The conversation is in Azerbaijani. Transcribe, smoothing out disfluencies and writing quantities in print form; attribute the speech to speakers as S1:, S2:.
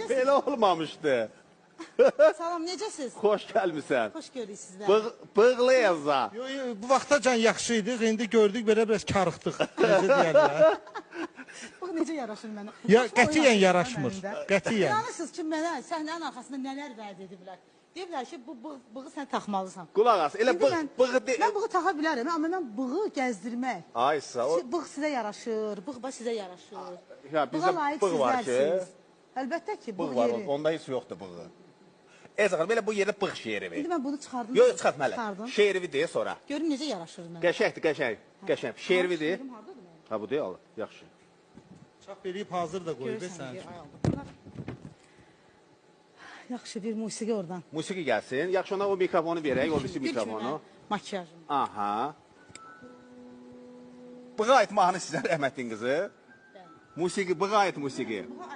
S1: Belə olmamışdı.
S2: Salam, necəsiz?
S1: Xoş gəlmisən.
S2: Xoş görürük sizlər.
S1: Bığlıyıza.
S3: Bu vaxtacan yaxşı idik, indi gördük belə biraz karıxdıq. Necə deyərlər?
S2: Bax, necə yaraşır mənə.
S3: Ya, qətiyyən yaraşmır. Qətiyyən.
S2: İnanırsınız ki, mənə səhnənin arxasında nələr vəd ediblər. Deyiblər ki, bu bığı sən taxmalısan.
S1: Qulaq as, elə bığı...
S2: Mən bığı taxa bilərəm, amma mən bığı gəzdirmək.
S1: Ay, sağ ol.
S2: Bığ sizə yaraşır, bığ sizə yaraşır.
S1: Ya, bizdə bığ var ki...
S2: Əlbəttə ki, bığ
S1: var,
S2: yeri.
S1: onda heç yoxdur bığı. Xanım, belə bu yerdə bığ şeiri ver.
S2: İndi mən bunu çıxardım.
S1: Yox, çıxartməli. Şeiri deyə sonra.
S2: Görün necə yaraşır mənə.
S1: Qəşəkdir, qəşəng. Şeiri deyə. Ha, bu deyil, yaxşı.
S3: Çap verib hazır da qoyub sən.
S2: Yaxşı, bir musiqi oradan.
S1: Musiqi gəlsin. Yaxşı, ona o mikrofonu verək, o birisi mikrofonu.
S2: Makyajım.
S1: Aha. Bığa aid mahnı sizə rəhmətin qızı. Musiqi, bığa aid musiqi.
S2: Bığa